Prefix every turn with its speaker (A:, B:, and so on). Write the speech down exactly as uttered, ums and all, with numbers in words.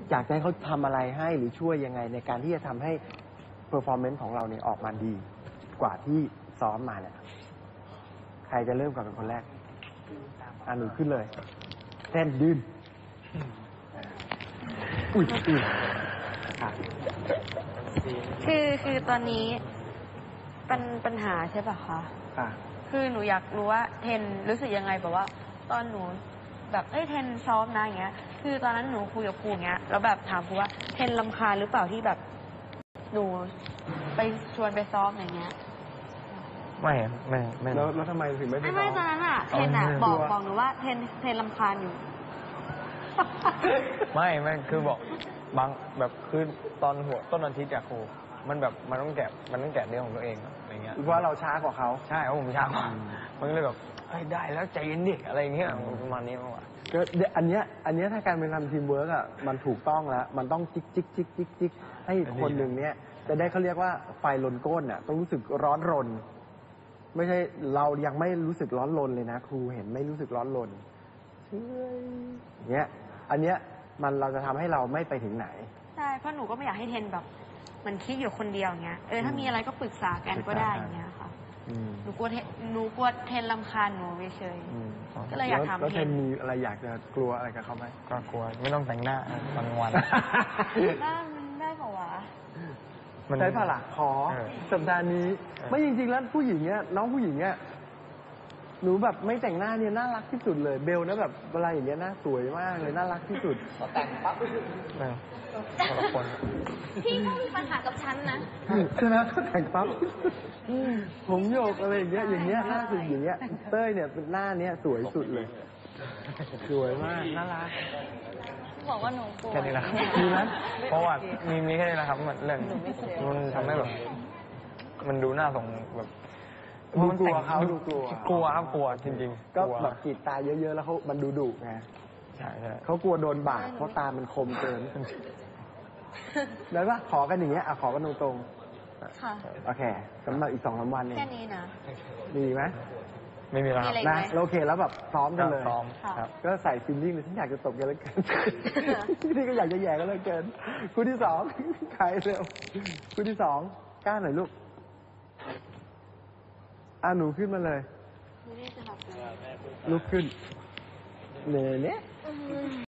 A: อยากให้เขาทำอะไรให้หรือช่วยยังไงในการที่จะทำให้ performance ของเราเนี่ยออกมาดีกว่าที่ซ้อมมาเนี่ยใครจะเริ่มก่อนเป็นคนแรกอ่ะหนูขึ้นเลยเต้นยืนอุ้ยอุ้ย
B: คือคือตอนนี้เป็นปัญหาใช่ป่ะคะ
A: ค่ะ
B: คือหนูอยากรู้ว่าเทนรู้สึกยังไงแบบว่าตอนหนูแบบเอ้ยเทนซ้อมนะอย่างเงี้ยคือตอนนั้นหนูคุยกับครูอย่างเงี้ยแล้วแบบถามครูว่าเทนรำคาญหรือเปล่าที่แบบหนูไปชวนไปซ้อมอย่างเงี้ย
C: ไม่ไม่ไม่
A: แล้วแล้วทำไมถึงไม่ไป
B: ไม่
A: ซ้
B: ไม่
A: อม
B: ตอนนั้นอ่ะเทนอ่ะบอกบอกหนูว่าเทนเทนรำคาญอยู่
C: ไม่ไม่คือบอกบางแบบคือตอนหัวต้นอาทิตย์อะครูมันแบบมันต้องแกะมันต้องแกะเรื่องของตัวเองอะไรเงี้ย
A: เพราะเราช้ากว่าเขา
C: ใช่เพราะผมช้ากว่ามันก็เลยแบบเฮ้ยได้แล้วใจเย็นดิอะไรเงี้ยประมาณนี้มากกว่า
A: ก็อันเนี้ยอันเนี้ยถ้าการเป็นทำทีมเวิร์กอ่ะมันถูกต้องแล้วมันต้องจิกจิกจิกจิกจิกให้คนหนึ่งเนี้ยจะได้เขาเรียกว่าไฟลนก้นอ่ะต้องรู้สึกร้อนรนไม่ใช่เรายังไม่รู้สึกร้อนรนเลยนะครูเห็นไม่รู้สึกร้อนรนเชื่อเนี้ยอันเนี้ยมันเราจะทำให้เราไม่ไปถึงไหน
B: ใช่เพราะหนูก็ไม่อยากให้เทนแบบมันคิดอยู่คนเดียวเงี้ยเออถ้ามีอะไรก็ปรึกษากันก็ได้อย่างเงี้ยค่ะหนูกลัวเทนหนูกลัวเทนรำคาญหนูเฉยก็เลยอยากทำ
A: แล้วเทนมีอะไรอยากจะกลัวอะไรกับเขาไหม
C: ก็กลัวไม่ต้องแต่งหน้าวันวัน
B: ได้มันได้เปล่าวะ
A: ใช้ผ่าหลักขอสัปดาห์นี้ไม่จริงๆแล้วผู้หญิงเนี้ยน้องผู้หญิงเนี้ยหนูแบบไม่แต่งหน้าเนี่ยน่ารักที่สุดเลยเบลนะแบบเวลาอย่างเงี้ยน่าสวยมากเลยน่ารักที่สุด
C: พอแต่งปั๊บคนละคน
B: พี่ก็มีปัญหากับฉันนะ
A: ใช่ไหมก็แต่งปั๊บผมโยกอะไรอย่างเงี้ยอย่างเงี้ยหน้าสุดอย่างเงี้ยเต้ยเนี่ยเป็นหน้าเนี้ยสวยสุดเลยสวยมากน่ารัก
B: บอกว่าหนูกลัว
C: แค่นี้แหละครับ
A: มีไหม
C: เพราะว่ามีมีแค่นี้แหละครับมันเรื่องมันทำให้แบบมันดูหน้าส่งแบบ
A: ดูกลัวเขาดูกลัว
C: กลัวครับกลัวจริงๆ
A: ก็แบบกรีดตาเยอะๆแล้วเขามันดูดุไง
C: ใช่ใช่
A: เขากลัวโดนบาดเพราะตามันคมเกินได้ปะขอกันอย่างเงี้ยอ่ะขอกันตรง
B: ๆค่ะ
A: โอเคสำหรับอีกสองสามวันเอง
B: แค่นี้นะ
A: ดีไหม
C: ไม่มีแล้ว
A: นะโอเคแล้วแบบซ้อมกันเลย
C: ซ้อมครับ
A: ก็ใส่ฟิลลิ่งเลยฉันอยากจะตบกันแล้วกันที่ก็อยากจะแย่กันแล้วเกินคู่ที่สองใครเร็วคู่ที่สองกล้าหน่อยลูกอ่ะหนูขึ้นมาเลยลุกขึ้นเน่เน่